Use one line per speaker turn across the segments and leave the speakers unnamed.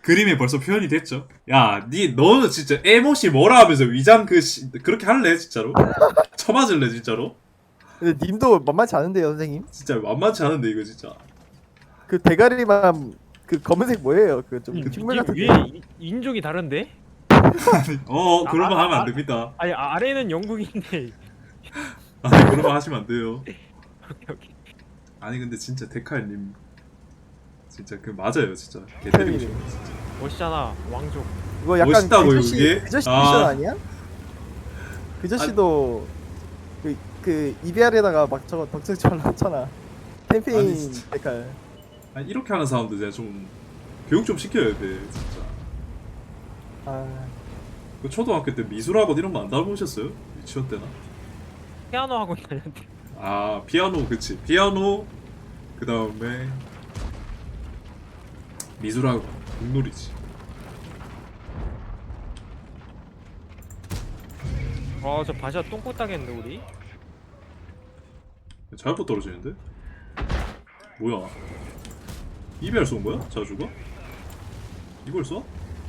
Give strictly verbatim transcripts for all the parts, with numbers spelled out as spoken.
그림에 벌써 표현이 됐죠. 야, 니 너는 진짜 에모시 뭐라 하면서 위장 그 시, 그렇게 할래 진짜로? 쳐맞을래 진짜로?
근데 님도 만만치 않은데요, 선생님?
진짜 만만치 않은데 이거 진짜.
그 대가리만 그 검은색 뭐예요? 그 좀
님,
식물
님
같은.
위에 인- 인종이 다른데?
어,
아,
그런 말
아,
하면 안
아,
됩니다.
아니 아래는 영국인데.
아, 그런 말 하시면 안 돼요.
오케이 오케이.
아니 근데 진짜 데칼님 진짜 그 맞아요 진짜. 개 때리고 싶어 진짜.
멋있잖아 왕족.
이거 약간
멋있다고요,
그 저씨,
그게?
그 저씨
아.
미션 아니야? 그 저씨도 그, 그 이비알에다가 막 저거 덕질처럼 넣잖아.
아니,
캠페인
진짜.
데칼.
아니 이렇게 하는 사람들 제가 좀 교육 좀 시켜야 돼 진짜.
아,
그 초등학교 때 미술학원 이런 거 안 다녀보셨어요? 유치원 때나?
피아노 하고 있는데.
아 피아노 그치 피아노 그 다음에 미술학원 공놀이지.
아저 바샤 똥꼬 따겠는데 우리?
잘못 떨어지는데? 뭐야 이비알 쏜 거야? 자주가? 이걸 쏴?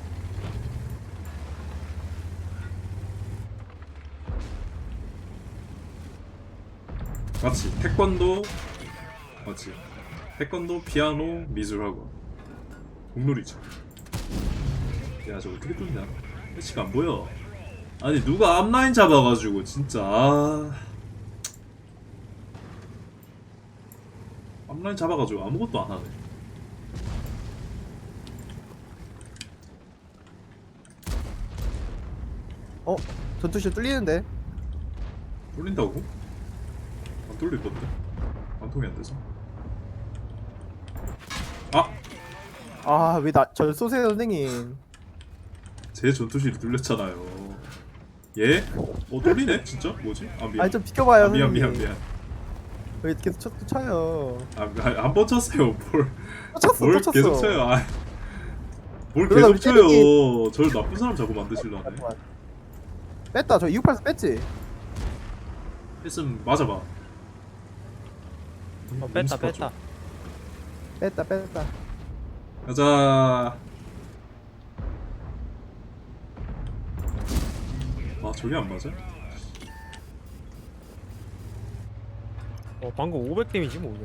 맞지 태권도 맞지 태권도 피아노 미술학원 공놀이죠. 야 저거 어떻게 뚫냐 패치가 안 보여. 아니 누가 앞라인 잡아가지고 진짜 아... 앞라인 잡아가지고 아무것도 안 하네.
어? 전투실 뚫리는데?
뚫린다고? 안 뚫릴던데? 관통이 안 돼서. 아!
아, 왜 나 절 쏘세요, 선생님?
제 전투실이 뚫렸잖아요. 예? 어 뚫리네? 진짜? 뭐지? 아 미안.
아니 좀 비켜봐요,
아, 미안
선생님.
미안 미안.
왜 계속 쳐, 또 쳐요?
아한 번 쳤어요. 뭘,
또 쳤어,
뭘
또 쳤어.
계속 쳐요. 아, 뭘
그러다
계속
우리
쳐요.
때리기-
저를 나쁜 사람 자꾸 만드실라네.
잠깐만. 뺐다, 저 이백팔십사 뺐지?
했으면 맞아봐.
어 뺐다 뺐다.
뺐다, 뺐다.
가자. 아 저게 안 맞아?
어 방금 오백 데미지 뭐냐?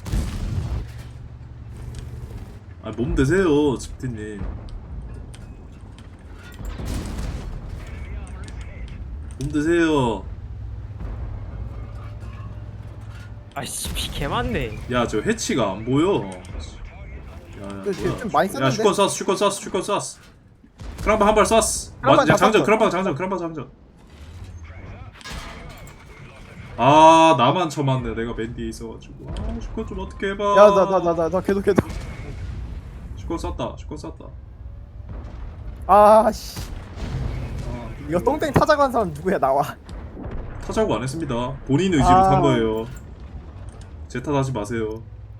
아 몸 되세요, 집티님. 몸 되세요.
아이씨 개 많네.
야 저 해치가 안 보여. 야, 야,
그,
뭐야.
좀 많이
야
썼는데?
슈컨 쐈어, 슈컨 쐈어, 슈컨 쐈어. 크랑방 한 발 쐈어.
크랑방
맞, 야, 장전,
잡았어.
크랑방 장전, 크랑방 장전. 아 나만 쳐맞네. 내가 맨 뒤에 있어가지고. 아 슈컨 좀 어떻게 해봐.
야, 나, 나, 나, 나, 나 계속, 계속.
슈컨 쐈다, 슈컨 쐈다.
아, 씨.
아,
이거 똥땡 타자고 한 사람 누구야, 나와.
타자고 안 했습니다. 본인 의지로
아.
탄 거예요. 제 탓하지 마세요.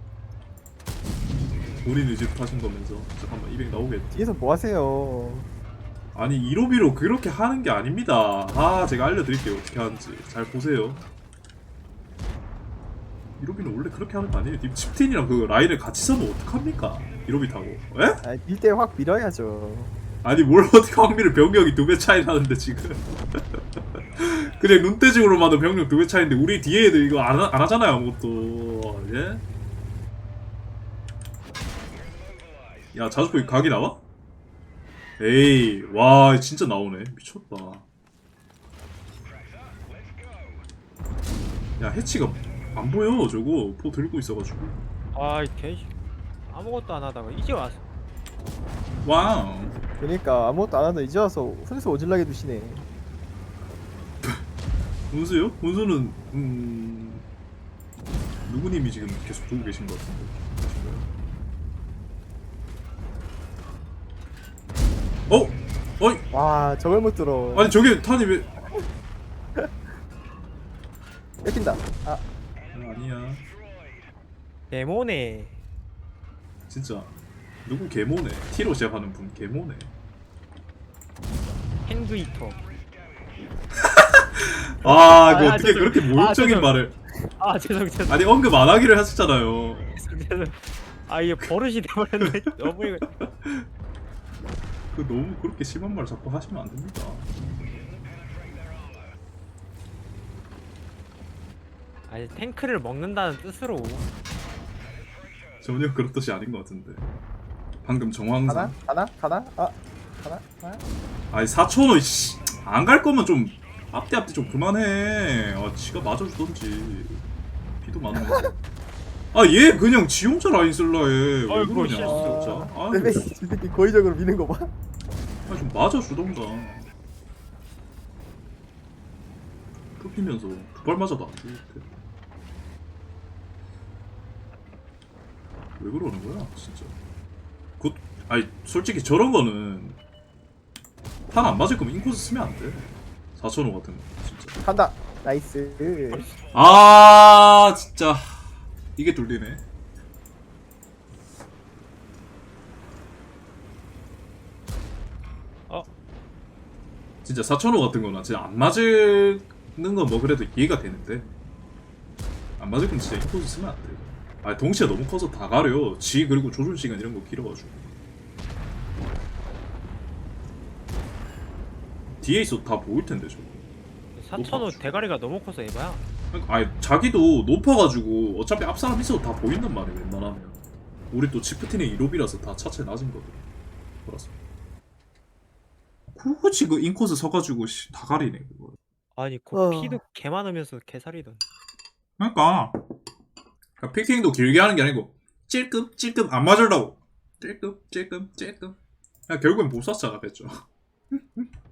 본인 의지로 타신 거면서. 잠깐만 이백 나오겠다.
뒤에서 뭐 하세요?
아니 이로비로 그렇게 하는 게 아닙니다. 아 제가 알려드릴게요 어떻게 하는지 잘 보세요. 이로비는 원래 그렇게 하는 거 아니에요. 님 칩틴이랑 그 라인을 같이 서면 어떡합니까? 이로비 타고 에?
아, 밀대 확 밀어야죠.
아니 뭘 어떻게 확률을 병력이 두 배 차이 나는데 지금 그냥 눈대중으로 봐도 병력 두 배 차이인데 우리 뒤에 애들 이거 안, 하, 안 하잖아요 아무것도. 예? 야 자주포 각이 나와? 에이 와 진짜 나오네. 미쳤다. 야 해치가 안 보여 저거 포 들고 있어가지고.
아이 개 아무것도 안 하다가 이제 왔어.
와우.
그러니까 아무것도 안 하다 이제 와서 훈수 오질라게 두시네.
운수요? 운수는 음 누구님이 지금 계속 보고 계신 것 같은데 계신가요? 어? 어이
와, 저걸 못 들어.
아니 저게 탄이 왜
뺏긴다. 아,
아, 아니야
데모네.
진짜 누구 개모네. T로 시작하는 분 개모네.
핸드히터.
아 그
아,
어떻게
죄송-
그렇게
아,
모욕적인
죄송.
말을.
아 죄송 죄송
아니 언급 안 하기로 했었잖아요.
죄송 죄송. 아 이게 버릇이 돼버렸네. 너무 이거.
그 너무 그렇게 심한 말 자꾸 하시면 안 됩니다.
아니 탱크를 먹는다는 뜻으로.
전혀 그런 뜻이 아닌 것 같은데. 방금 정황상.
가나? 가나? 가나? 아 가나? 가나?
아니 사천 원 씨. 안 갈 거면 좀 앞뒤 앞뒤 좀 그만해. 아 지가 맞아주던지. 비도 많은 거. 아얘 그냥 지 혼자 라인 쓸라 해. 왜
아이고,
그러냐
실수.
진짜. 아,
내 새끼 이 새끼 고의적으로 미는 거 봐.
아, 좀 맞아주던가. 좁히면서 두 발 맞아도 안 죽을 때. 왜 그러는 거야, 진짜. 곧, 아니, 솔직히 저런 거는 탄 안 맞을 거면 인코스 쓰면 안 돼. 사천오 같은 거, 진짜.
간다. 나이스.
아, 진짜. 이게 돌리네.
어?
진짜 사천오 같은 거는 진짜 안 맞는 건 뭐 그래도 이해가 되는데 안 맞을 거면 진짜 인코스 쓰면 안 돼. 아 동시에 너무 커서 다 가려. 지 그리고 조준 시간 이런 거 길어가지고 뒤에 있어도 다 보일 텐데 저거.
사천오 대가리가 너무 커서 에바야.
그러니까 아니 자기도 높아가지고 어차피 앞 사람 있어도 다 보인단 말이야 웬만하면. 우리 또 치프틴의 이롭이라서 다 차체 낮은 거든. 그래서 굳이 그 인코스 서가지고 씨, 다 가리네 그거.
아니 그
어.
피도 개 많으면서 개살이던.
그러니까 그러니까 피킹도 길게 하는 게 아니고 찔끔 찔끔 안 맞으려고 찔끔 찔끔 찔끔 그냥 결국엔 못 쐈잖아 뺐죠.